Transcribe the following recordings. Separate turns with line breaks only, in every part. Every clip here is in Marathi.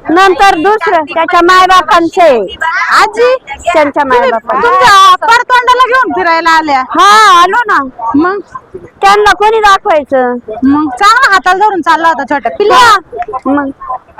नंतर दुसरं त्याच्या मायबापांचे
आजी
त्यांच्या मायबापा
तुमच्या परतोंडाला घेऊन फिरायला आल्या.
हा आलो ना.
मग
त्यांना कोणी दाखवायचं.
मग चांगला हाताला धरून चालला होता छोट्या पिल्ला.
मग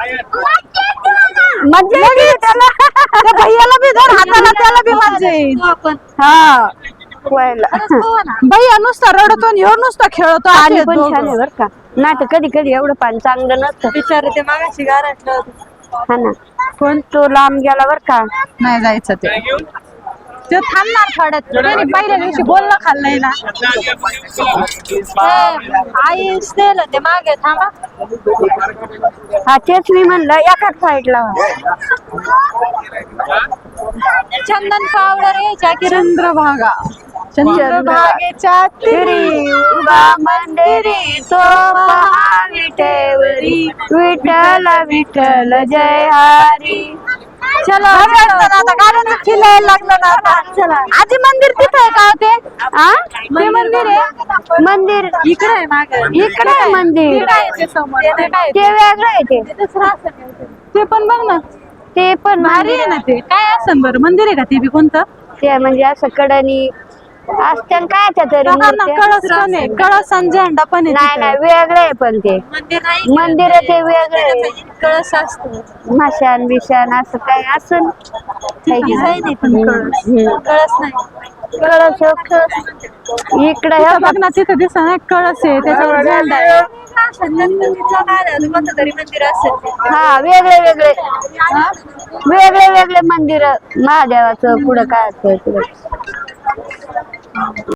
मज्जा येते त्याला.
त्या भैयाला बी धर हाताला, त्याला बी मजा येईल.
हा व्हायला
भैया नुसता रडतो आणि ह्यो नुसता खेळतो.
पाणी
असे
पण
दोघं.
छान आहे बर का. नाही तर कधी कधी एवढं पाणी चांगलं नसतं.
बिचारे ते मागाशी गारटलं.
हा ना. पण तो लांब गेला बर का.
नाही जायचं ते थांबणार थोड्यात. त्याने पहिल्या दिवशी बोलणं खाल्लंय ना. आई दिलं ते मागे थांबा.
हा तेच मी म्हणलं एकाच साईडला.
चंदन पावडर यायच्या की चंद्रभागा. चंद्रभागेच्या तिरी
उभा मंदिरी तो विटेवरी विठ्ठल विठ्ठल जय हरी.
चलो आता गाड्यांचं फिरायला लागलं ना आता. आजी मंदिर तिथं आहे का ते? ते मंदिर आहे.
मंदिर
इकडे आहे मागे.
इकडे आहे मंदिर. ते वेगळं आहे ते.
ते पण बघ ना.
ते पण
भारी आहे ना ते. काय असं बरं मंदिर आहे का ते बी कोणतं?
ते म्हणजे असं कडणी असतं काय तरी
कळस पण आहे. कळस आणि झेंडा पण आहे.
नाही नाही वेगळे आहे पण ते मंदिर ते वेगळे.
कळस असतो.
माशान बिशान असं काय असं
कळस नाही.
कळस इकडे हे
बघ ना तिथं दिसत ना कळस आहे त्याच्यावर झेंडा आहे. कोणतं तरी मंदिर असेल.
हा वेगळे वेगळे वेगळे वेगळे मंदिर महादेवाचं पुढं काय असतं पुढं.